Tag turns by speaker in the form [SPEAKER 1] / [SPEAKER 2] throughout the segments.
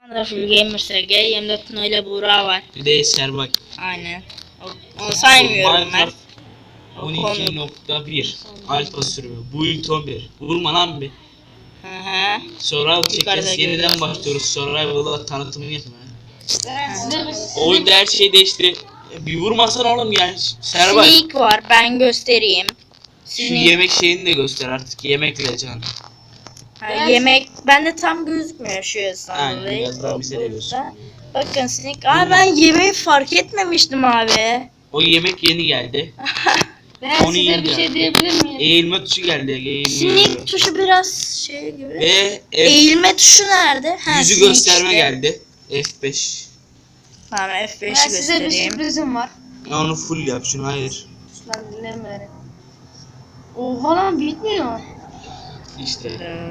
[SPEAKER 1] Full Gamer SG, 24 Tuna ile Buğra var.
[SPEAKER 2] Bir de Eser bak.
[SPEAKER 1] Aynen. Onu saymıyorum ben.
[SPEAKER 2] 12.1 Alfa sürümü. Build 11. Vurma lan bir.
[SPEAKER 1] Hı.
[SPEAKER 2] Survival çekeceğiz. Yeniden başlıyoruz. Survival'da tanıtımını yapmaya. Oyunda her şey değişti. Bir vurmasan oğlum yani. Server.
[SPEAKER 1] Sneak var, ben göstereyim.
[SPEAKER 2] Şu yemek şeyini de göster artık. Yemek vereceksin.
[SPEAKER 1] Yemek bende tam gözükmüyor şu esnada.
[SPEAKER 2] Aynen, biraz daha bize de göster.
[SPEAKER 1] Bakın Sneak. Ben yemeği fark etmemiştim abi.
[SPEAKER 2] O yemek yeni geldi.
[SPEAKER 3] Ben
[SPEAKER 2] Onu
[SPEAKER 3] size bir şey diyebilir miyim?
[SPEAKER 2] Eğilme tuşu geldi.
[SPEAKER 1] Sneak tuşu biraz şey gibi.
[SPEAKER 2] Ve
[SPEAKER 1] Eğilme tuşu nerede?
[SPEAKER 2] yüzü gösterme geldi. F5.
[SPEAKER 1] Tamam F5'i
[SPEAKER 3] Ben size bir
[SPEAKER 1] göstereyim.
[SPEAKER 3] sürprizim var.
[SPEAKER 2] Ya onu full yap şunu, hayır.
[SPEAKER 3] Lan dinleme. Oha lan bitmiyor.
[SPEAKER 2] İşte.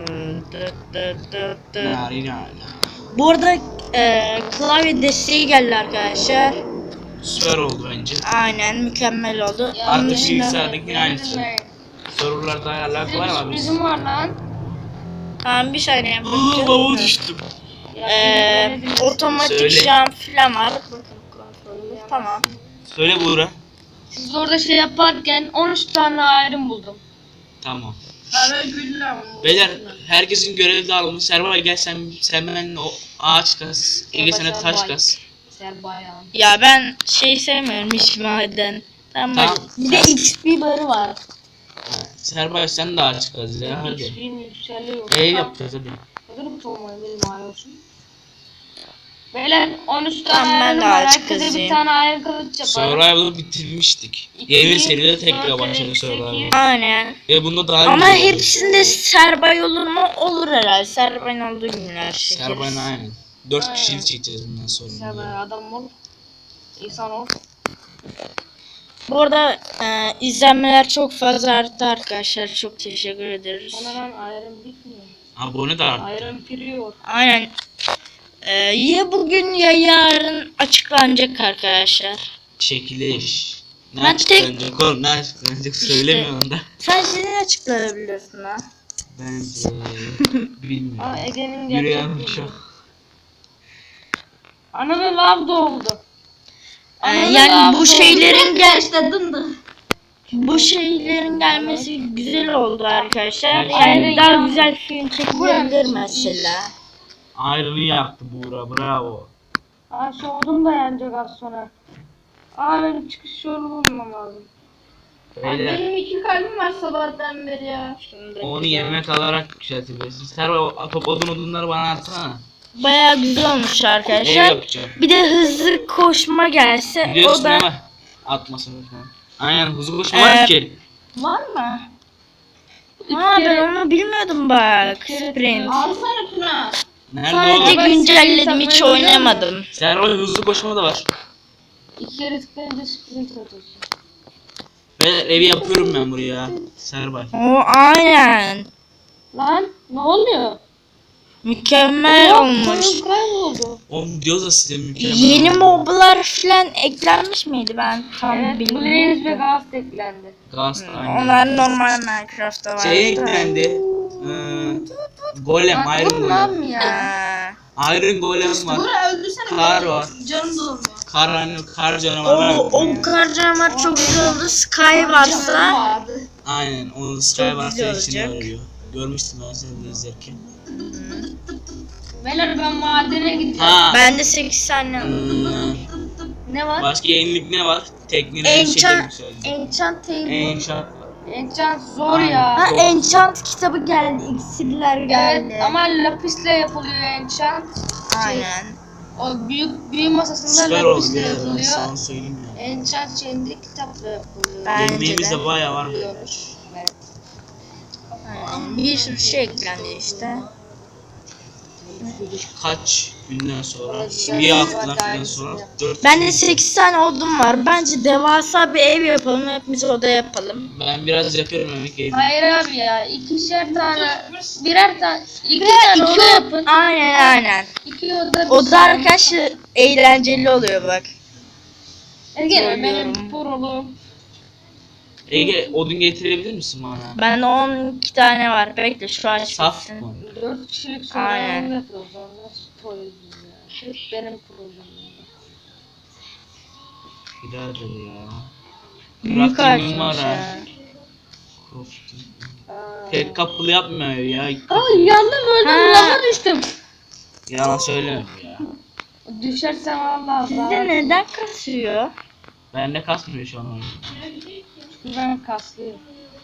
[SPEAKER 1] Bu arada klavye desteği geldi arkadaşlar.
[SPEAKER 2] Süper oldu bence.
[SPEAKER 1] Aynen mükemmel oldu. Onun
[SPEAKER 2] Artık
[SPEAKER 1] dışında
[SPEAKER 2] bilgisayardaki aynısı. Sorularda ayarlar
[SPEAKER 3] Size
[SPEAKER 2] kolay
[SPEAKER 3] bir
[SPEAKER 2] abi.
[SPEAKER 3] sürprizim var lan.
[SPEAKER 1] tamam bir saniye
[SPEAKER 2] Lavuğa düştüm.
[SPEAKER 1] otomatik
[SPEAKER 2] Söyle.
[SPEAKER 1] cam falan var. Tamam.
[SPEAKER 2] Söyle Buğra.
[SPEAKER 3] Siz orada şey yaparken 13 tane ayrım buldum.
[SPEAKER 2] Tamam. Beyler herkesin görevi dağılmış. Server gel sen benimle o ağaç kas. Ege sana taş kas.
[SPEAKER 3] Ser bayağı.
[SPEAKER 1] Ya ben şey sevmiyorum hiç maden. Tamam. Bir de XP barı var.
[SPEAKER 2] Server sen de ağaç kas ya hadi.
[SPEAKER 3] Hiçbirini yükseliyor.
[SPEAKER 2] Ev yapacağız hadi.
[SPEAKER 3] Hazır mı olmayı benim ayolsun? Beyler 13
[SPEAKER 1] Tamam,
[SPEAKER 3] tane
[SPEAKER 1] ben
[SPEAKER 3] ayrım
[SPEAKER 1] de
[SPEAKER 3] var.
[SPEAKER 1] ağaç
[SPEAKER 3] Herkese
[SPEAKER 1] kazayım.
[SPEAKER 3] bir tane ayrım kılıç yapalım.
[SPEAKER 2] Survival'ı bitirmiştik. Yeni seride tekrar başladı Survival.
[SPEAKER 1] Aynen.
[SPEAKER 2] Ve bunda daha
[SPEAKER 1] Ama
[SPEAKER 2] güzel oldu.
[SPEAKER 1] hepsinde Serbay olur mu? Olur herhalde. Serbay'ın olduğu günler çekeriz.
[SPEAKER 2] Server'ın aynen. 4 kişilik çekeceğiz bundan
[SPEAKER 3] Ser
[SPEAKER 2] sonra.
[SPEAKER 3] bayağı adam ol. İnsan ol.
[SPEAKER 1] Bu arada izlenmeler çok fazla arttı arkadaşlar. Çok teşekkür ederiz.
[SPEAKER 3] Bana lan ayrım bitmiyor.
[SPEAKER 2] Abone de arttı.
[SPEAKER 3] Ayrım piriyor.
[SPEAKER 1] Aynen. Ya bugün ya yarın açıklanacak arkadaşlar.
[SPEAKER 2] Çekiliş. Ne
[SPEAKER 1] Ben
[SPEAKER 2] açıklanacak oğlum, ne açıklanacak söylemiyorum da.
[SPEAKER 1] Sen şimdi açıklayabiliyorsun ha.
[SPEAKER 2] Bence bilmiyorum.
[SPEAKER 3] Ege'nin
[SPEAKER 2] Yürüyen
[SPEAKER 3] gerçek
[SPEAKER 2] uçak.
[SPEAKER 3] Anamın lav doğdu.
[SPEAKER 1] Yani bu şeylerin bu şeylerin gelmesi güzel oldu arkadaşlar. Yani daha güzel film çekilebilir mesela.
[SPEAKER 2] Ayrını yaktı Buğra, bravo.
[SPEAKER 3] Aa şu odun da yanacak az sonra. Aa benim çıkış yolu bulmam lazım.
[SPEAKER 2] Beyler
[SPEAKER 3] Benim 2 kalbim var sabahtan beri ya.
[SPEAKER 2] onu yemek alarak yükseltebilirsin. Server odunları bana atsana.
[SPEAKER 1] Bayağı güzel olmuş
[SPEAKER 2] Ev
[SPEAKER 1] arkadaşlar.
[SPEAKER 2] yapacağım.
[SPEAKER 1] Bir de hızlı koşma gelse
[SPEAKER 2] Biliyorsun
[SPEAKER 1] o da
[SPEAKER 2] ama atmasın lütfen. Aynen, hızlı koşma var ki.
[SPEAKER 1] var mı? Ha ben onu bilmiyordum bak. Sprint.
[SPEAKER 3] Alsana Tuna.
[SPEAKER 2] Nerede
[SPEAKER 1] Sadece
[SPEAKER 2] oğlum?
[SPEAKER 1] güncelledim hiç oynamadım.
[SPEAKER 2] Server hızlı koşma da var.
[SPEAKER 3] 2 kere tıklayınca sprint atıyorsun.
[SPEAKER 2] Beyler evi yapıyorum ben buraya. Server.
[SPEAKER 1] O aynen.
[SPEAKER 3] Lan ne oluyor?
[SPEAKER 1] Mükemmel olmuş.
[SPEAKER 3] Koyun kayboldu.
[SPEAKER 2] Oğlum diyoruz da size mükemmel.
[SPEAKER 1] Yeni moblar falan eklenmiş miydi ben tam
[SPEAKER 3] Evet
[SPEAKER 1] bilmiyorum.
[SPEAKER 3] Blaze ve Ghost eklendi.
[SPEAKER 2] Ghost aynen.
[SPEAKER 1] Onlar normal Minecraft'ta vardı.
[SPEAKER 2] Şey eklendi. Golem, Iron Golem.
[SPEAKER 3] Lan ya.
[SPEAKER 1] Ha.
[SPEAKER 2] Iron Golem var.
[SPEAKER 3] Öldürsene.
[SPEAKER 2] Kar var.
[SPEAKER 3] Canım dolmuyor.
[SPEAKER 2] Kar canavarı var.
[SPEAKER 1] O kar canavar çok güzel oldu. Sky varsa
[SPEAKER 2] Aynen, onu Sky varsa
[SPEAKER 1] güzel
[SPEAKER 2] içinde
[SPEAKER 1] olacak.
[SPEAKER 2] arıyor. Görmüştüm ben seni de izlerken.
[SPEAKER 3] Beyler ben madene gideceğim.
[SPEAKER 2] Ha.
[SPEAKER 1] bende 8 tane
[SPEAKER 3] Ne var?
[SPEAKER 2] Başka yenilik ne var? Tekniğin her şeyde
[SPEAKER 1] Enchant
[SPEAKER 2] yükseldi.
[SPEAKER 1] Enchant table.
[SPEAKER 2] Enchant.
[SPEAKER 3] Enchant zor ya.
[SPEAKER 1] Ha Enchant kitabı geldi. İksirler geldi.
[SPEAKER 3] Evet ama lapisle yapılıyor enchant.
[SPEAKER 1] Aynen.
[SPEAKER 3] O büyü masasında
[SPEAKER 2] Süper oldu
[SPEAKER 3] lapisle
[SPEAKER 2] ya, ben
[SPEAKER 3] yapılıyor.
[SPEAKER 2] sana söyleyeyim ya.
[SPEAKER 3] Enchant şeyinde kitapla yapılıyor.
[SPEAKER 1] Bence
[SPEAKER 2] Yemeğimiz
[SPEAKER 1] de.
[SPEAKER 2] de bayağı var.
[SPEAKER 3] Evet.
[SPEAKER 1] Aynen. Bir sürü şey eklendi işte.
[SPEAKER 2] Kaç günden sonra,
[SPEAKER 3] Şöyle
[SPEAKER 2] bir
[SPEAKER 3] bir
[SPEAKER 2] haftadan
[SPEAKER 3] bak,
[SPEAKER 2] falan
[SPEAKER 3] aynısını
[SPEAKER 2] sonra
[SPEAKER 3] yap.
[SPEAKER 2] 4
[SPEAKER 1] Bende 8 tane odun var. Bence devasa bir ev yapalım. Hepimiz oda yapalım.
[SPEAKER 2] Ben biraz yapıyorum emek yedim.
[SPEAKER 3] Hayır abi ya. İkişer tane, birer tane, iki tane oda yapın.
[SPEAKER 1] Aynen.
[SPEAKER 3] 2 oda.
[SPEAKER 1] Oda arkadaşlar eğlenceli oluyor bak.
[SPEAKER 3] Ege benim porolum.
[SPEAKER 2] Ege odun getirebilir misin bana?
[SPEAKER 1] Bende 12 tane var. Bekle şu an
[SPEAKER 2] Saf
[SPEAKER 1] bitsin.
[SPEAKER 2] mı?
[SPEAKER 3] 4 kişilik
[SPEAKER 1] Aynen.
[SPEAKER 3] sorun yapıyoruz. proyuz ya. Hep benim projem.
[SPEAKER 2] Birader ya.
[SPEAKER 1] Büyük
[SPEAKER 2] Rakibim var
[SPEAKER 1] açmış
[SPEAKER 2] ha.
[SPEAKER 1] ya.
[SPEAKER 2] Tek kapılı yapmıyor ya.
[SPEAKER 3] Ay yandım öldüm
[SPEAKER 1] Ha.
[SPEAKER 3] lava düştüm.
[SPEAKER 2] Yalan söyleme ya.
[SPEAKER 3] Düşersem vallahi
[SPEAKER 1] Sizde neden kasıyor?
[SPEAKER 2] Bende kasmıyor şu an oyun.
[SPEAKER 3] ben kaslıyım.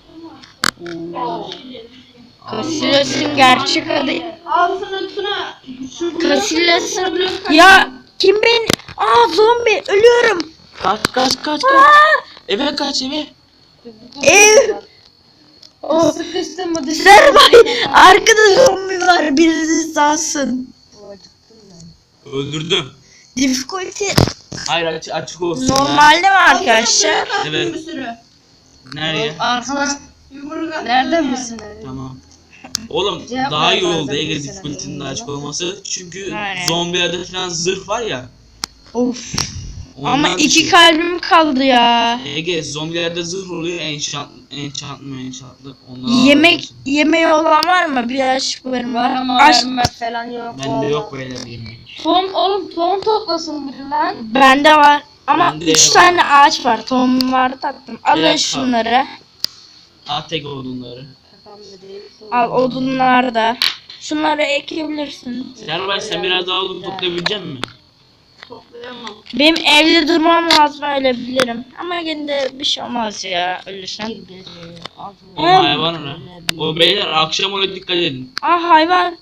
[SPEAKER 1] Casillas'ın gerçek adı.
[SPEAKER 3] Altına
[SPEAKER 1] Casillas'ın... Ya kim beni... Aa zombi ölüyorum.
[SPEAKER 2] Kaç. Eve kaç eve.
[SPEAKER 1] Ev. Oh.
[SPEAKER 3] Sıkıştım mı
[SPEAKER 1] Serbay arkada zombi var birisi salsın.
[SPEAKER 2] Öldürdüm.
[SPEAKER 1] Difficulty
[SPEAKER 2] Hayır açık olsun.
[SPEAKER 1] normalde mi arkadaşlar?
[SPEAKER 2] Evet. Nereye?
[SPEAKER 3] Arkadaş nereden misin?
[SPEAKER 2] Tamam. Oğlum
[SPEAKER 3] Cevap
[SPEAKER 2] daha
[SPEAKER 3] ver
[SPEAKER 2] iyi oldu
[SPEAKER 3] bazen
[SPEAKER 2] Ege
[SPEAKER 3] mesela.
[SPEAKER 2] difficulty'nin de açık olması. Çünkü
[SPEAKER 1] Aynen.
[SPEAKER 2] zombilerde falan zırh var ya.
[SPEAKER 1] Of.
[SPEAKER 2] Ondan
[SPEAKER 1] Ama iki
[SPEAKER 2] düşüyor.
[SPEAKER 1] kalbim kaldı ya.
[SPEAKER 2] Ege zombilerde zırh oluyor enchantlı.
[SPEAKER 1] Yemeği olan var mı? Biraz varım.
[SPEAKER 3] Var ama
[SPEAKER 1] Aç.
[SPEAKER 3] verme falan yok.
[SPEAKER 2] Bende yok böyle bir yemek.
[SPEAKER 3] Tohum toplasın biri lan.
[SPEAKER 1] Bende var. Ama
[SPEAKER 2] Bende
[SPEAKER 1] 3
[SPEAKER 2] var.
[SPEAKER 1] tane ağaç var. Tohum var tatlım. Alın
[SPEAKER 2] dakika.
[SPEAKER 1] şunları.
[SPEAKER 2] At tek odunları.
[SPEAKER 1] Al odunlar da. Şunları ekebilirsin.
[SPEAKER 2] Serbay sen biraz daha odun toplayabilecek misin?
[SPEAKER 1] Benim evde durmam lazım öyle bilirim. Ama gene de bir şey olmaz ya ölürsen.
[SPEAKER 2] O hayvan ona. O beyler akşam ona dikkat edin.
[SPEAKER 1] Ah hayvan.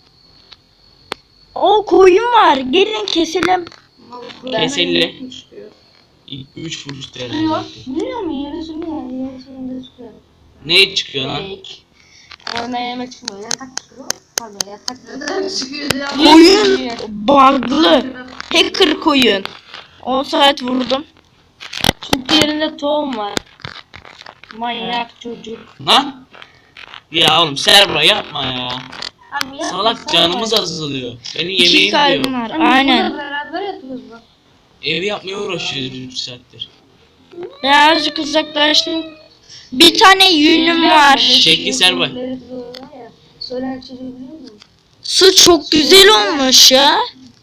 [SPEAKER 1] O koyun var. Gelin keselim.
[SPEAKER 2] Keselli. 3 vuruş herhalde.
[SPEAKER 3] Biliyor musun? Yarısında çıkıyor.
[SPEAKER 2] Ne çıkıyor lan?
[SPEAKER 3] Orada yemek çıkmıyor. Yatak çıkıyor. Pardon yatak neden çıkıyor ya?
[SPEAKER 1] Koyun bug'lı. Hacker koyun. 10 saat vurdum.
[SPEAKER 3] Çünkü yerinde tohum var. Manyak çocuk.
[SPEAKER 2] Lan? Ya oğlum Serbay yapma ya.
[SPEAKER 3] Abi ya,
[SPEAKER 2] Salak canımız azalıyor. Benim
[SPEAKER 1] 2
[SPEAKER 2] yemeğim
[SPEAKER 1] kalbim
[SPEAKER 2] diyor.
[SPEAKER 1] var. Aynen.
[SPEAKER 3] Beraber yatıyoruz bak.
[SPEAKER 2] Evi yapmaya uğraşıyoruz 3 saattir.
[SPEAKER 1] Birazcık uzaklaştım. Bir tane yünüm var.
[SPEAKER 2] Şekli Serbay.
[SPEAKER 3] Söylen çocuğu biliyor musun?
[SPEAKER 1] Su çok güzel olmuş ya.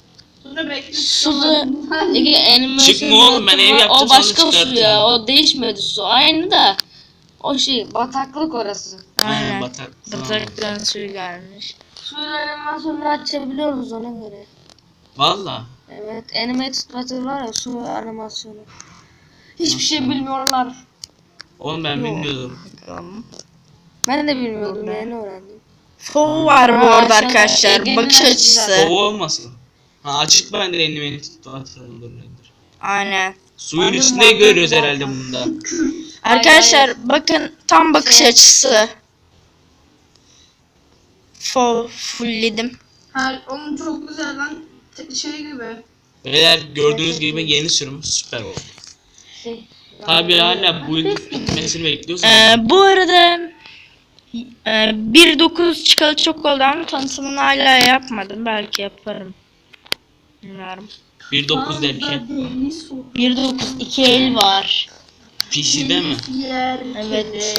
[SPEAKER 1] Sulu.
[SPEAKER 2] Çıkma oğlum, ben ev yaptım,
[SPEAKER 3] O başka
[SPEAKER 2] sonra
[SPEAKER 3] su ya.
[SPEAKER 2] çıkartırım.
[SPEAKER 3] O değişmedi su. Aynı da. O şey bataklık orası.
[SPEAKER 1] Aynen.
[SPEAKER 2] Batak.
[SPEAKER 1] Bataktan suyu gelmiş.
[SPEAKER 3] Suyun animasyonunu açabiliyoruz ona göre.
[SPEAKER 2] Valla.
[SPEAKER 3] Evet, animated battle var ya su animasyonu. Hiçbir şey bilmiyorlar.
[SPEAKER 2] Oğlum ben bilmiyordum.
[SPEAKER 3] Ben de bilmiyordum, yeni öğrendim.
[SPEAKER 1] Fov var bu arada
[SPEAKER 3] Aa,
[SPEAKER 1] arkadaşlar.
[SPEAKER 3] Ege'nin
[SPEAKER 1] Bakış
[SPEAKER 3] açısı
[SPEAKER 1] açısı.
[SPEAKER 3] zaten.
[SPEAKER 2] Kova olmasın. Ha açık ben de elini tutarım.
[SPEAKER 1] Aynen.
[SPEAKER 2] Suyun üstünde görüyoruz herhalde bunda.
[SPEAKER 1] Arkadaşlar bakın tam bakış açısı. Fov fullledim.
[SPEAKER 4] Ha, onun çok güzel lan. Şey gibi.
[SPEAKER 2] Beyler gördüğünüz gibi yeni sürüm süper oldu.
[SPEAKER 3] Şey,
[SPEAKER 2] Tabi hala bu yıl bitmesini bekliyoruz.
[SPEAKER 1] Bu arada 1.9 çıkalı çok oldu ama tanıtımını hala yapmadım. Belki yaparım. Bilmiyorum.
[SPEAKER 2] 1.9 derken.
[SPEAKER 1] 1.9 2 el var.
[SPEAKER 2] PC'de mi?
[SPEAKER 4] Yer.
[SPEAKER 1] Evet.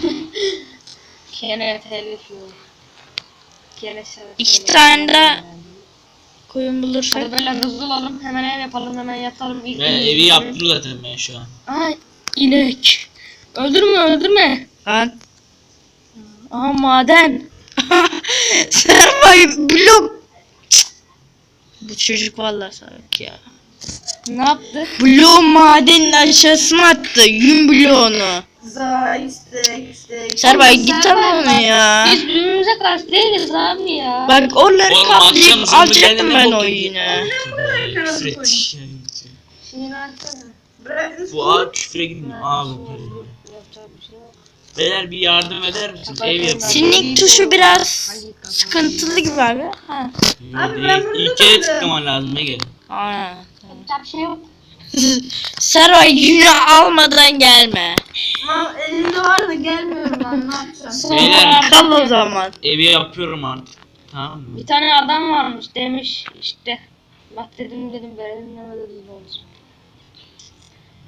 [SPEAKER 3] Kene telif yok. Kene şarkı.
[SPEAKER 1] 2 tane de koyun bulursak.
[SPEAKER 3] Hadi böyle hızlı olalım, hemen ev yapalım, hemen yatalım. İlk
[SPEAKER 2] Ben evi yaptım zaten ben şu an.
[SPEAKER 3] Ay,
[SPEAKER 1] İnek.
[SPEAKER 3] öldürme.
[SPEAKER 1] Lan. Aha maden. Servay blok. Bu çocuk vallahi salak ya.
[SPEAKER 3] Ne yaptı?
[SPEAKER 1] Bloğu madenin aşağısına attı. Yün bloğunu.
[SPEAKER 4] Za istek.
[SPEAKER 1] Servay git al onu ya.
[SPEAKER 3] Biz birbirimize karşı değiliz abi ya.
[SPEAKER 1] Bak oraları
[SPEAKER 2] Oğlum akşam
[SPEAKER 1] kaplayıp
[SPEAKER 2] zombilerle
[SPEAKER 1] alacaktım
[SPEAKER 2] ne
[SPEAKER 1] ben
[SPEAKER 2] bok
[SPEAKER 1] o
[SPEAKER 2] yedin?
[SPEAKER 1] yünü.
[SPEAKER 2] Küfür et.
[SPEAKER 3] Şeyini açsana.
[SPEAKER 4] Bırakın.
[SPEAKER 2] Bu ağ küfre gitmiyor. Ağ bu.
[SPEAKER 3] Yapacak bir şey yok.
[SPEAKER 2] Beyler bir yardım eder misin? Ev yapayım.
[SPEAKER 1] Sinik tuşu biraz sıkıntılı gibi abi. Ha.
[SPEAKER 4] Abi ben burada
[SPEAKER 2] İlk kere
[SPEAKER 4] kaldım.
[SPEAKER 2] tıklaman lazım Ege.
[SPEAKER 1] Aynen.
[SPEAKER 3] Yapacak bir şey yok.
[SPEAKER 1] Servay yünü almadan gelme.
[SPEAKER 4] Ama elimde var da gelmiyorum lan, ne yapacağım?
[SPEAKER 2] Beyler
[SPEAKER 1] Kal o zaman.
[SPEAKER 2] evi yapıyorum artık. Tamam mı?
[SPEAKER 3] Bir tane adam varmış demiş işte. Bak dedim verelim demedi olsun.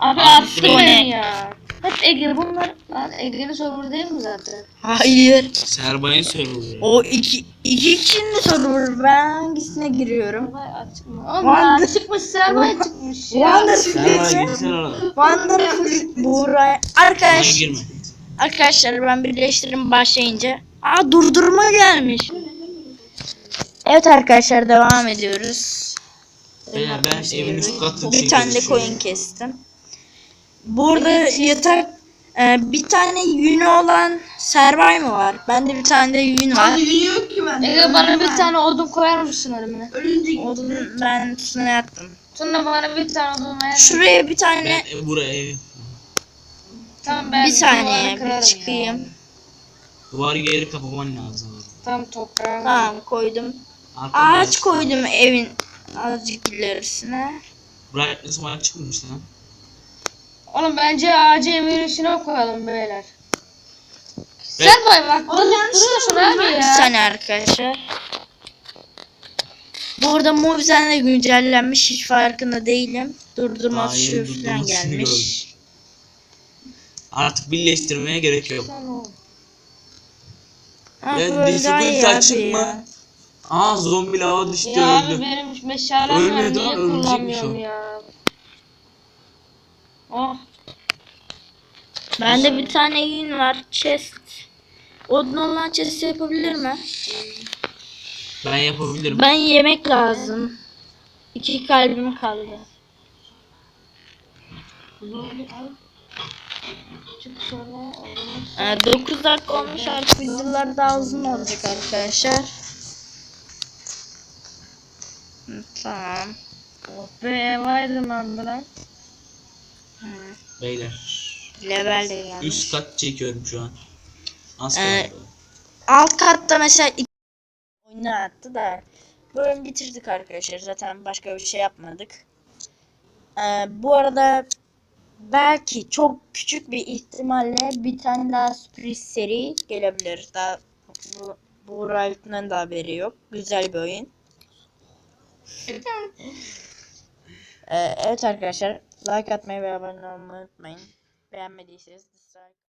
[SPEAKER 3] Abi
[SPEAKER 2] Attı
[SPEAKER 3] attı
[SPEAKER 2] beni.
[SPEAKER 3] beni ya. Hep Ege bunlar. Lan Ege'nin server değil mi zaten?
[SPEAKER 1] Hayır.
[SPEAKER 2] Serbay'ın serverı.
[SPEAKER 1] O iki kişinin de server. Ben hangisine giriyorum?
[SPEAKER 3] Server açık mı? Oğlum ya çıkmış server çıkmış ya.
[SPEAKER 2] Serbay'a girsen orada.
[SPEAKER 1] Wonderful Buğra.
[SPEAKER 2] Bana girme.
[SPEAKER 1] Arkadaşlar ben birleştirim başlayınca. Aa durdurma gelmiş. Evet arkadaşlar devam ediyoruz.
[SPEAKER 2] Beyler ben evin üst katı
[SPEAKER 1] Bir tane de koyun kestim. Burada yatak bir tane yünü olan Servay mı var? Bende bir tane de yün var.
[SPEAKER 4] Yünü yok ki bende.
[SPEAKER 3] Ege bana bir tane odun koyar mısın önüme?
[SPEAKER 4] Ölünce
[SPEAKER 1] Odun ben üstüne yattım.
[SPEAKER 3] Sonra bana bir tane odun ver.
[SPEAKER 1] Şuraya bir tane
[SPEAKER 2] Ben buraya
[SPEAKER 3] Tamam ben
[SPEAKER 1] bir saniye
[SPEAKER 3] duvarı
[SPEAKER 1] bir
[SPEAKER 3] kırarım
[SPEAKER 1] çıkayım.
[SPEAKER 3] ya.
[SPEAKER 2] duvar geri kapaman lazım.
[SPEAKER 3] Tam toprağım.
[SPEAKER 1] Tamam koydum.
[SPEAKER 2] Arkada
[SPEAKER 1] Ağaç koydum evin azıcık ilerisine.
[SPEAKER 2] Brightness var çıkmış lan.
[SPEAKER 3] Oğlum bence ağacı evin içine koyalım beyler. Servay bak duruyorsun abi
[SPEAKER 1] Bir
[SPEAKER 3] ya.
[SPEAKER 1] saniye arkadaşlar. Bu arada Mobizen de güncellenmiş hiç farkında değilim. Durdurma
[SPEAKER 2] Daha yeni
[SPEAKER 1] tuşu falan
[SPEAKER 2] durdurmasını
[SPEAKER 1] gelmiş.
[SPEAKER 2] Artık birleştirmeye gerek yok.
[SPEAKER 1] Ha,
[SPEAKER 2] Ben
[SPEAKER 1] böyle daha iyi
[SPEAKER 2] difficulty
[SPEAKER 1] abi
[SPEAKER 2] açık
[SPEAKER 1] ya.
[SPEAKER 2] mı? Aa zombi lava düştü
[SPEAKER 3] Ya abi
[SPEAKER 2] öldü.
[SPEAKER 3] benim meşalem var
[SPEAKER 2] Ölmedi
[SPEAKER 3] niye
[SPEAKER 2] lan, ölecekmiş
[SPEAKER 3] kullanmıyorum
[SPEAKER 2] o.
[SPEAKER 3] ya. Oh.
[SPEAKER 1] Bende bir tane yün var. Chest. Odun olan chest yapabilir mi?
[SPEAKER 2] Ben yapabilirim.
[SPEAKER 1] Ben yemek lazım. 2 kalbim kaldı.
[SPEAKER 3] Çık şöyle.
[SPEAKER 1] 9 dakika olmuş artık videolar daha uzun olacak arkadaşlar. Tamam.
[SPEAKER 3] Oh be ev aydınlandı lan.
[SPEAKER 2] Beyler.
[SPEAKER 1] Level de gelmiş.
[SPEAKER 2] Üst kat çekiyorum şu an. Az
[SPEAKER 1] Ee,
[SPEAKER 2] kaldı.
[SPEAKER 1] Alt katta mesela oyunu attı da bölüm bitirdik arkadaşlar. Zaten başka bir şey yapmadık. Bu arada belki çok küçük bir ihtimalle bir tane daha sürpriz seri gelebilir. Daha bu Riot'un da haberi yok. Güzel bir oyun. Evet arkadaşlar like atmayı ve abone olmayı unutmayın. Beğenmediyseniz dislike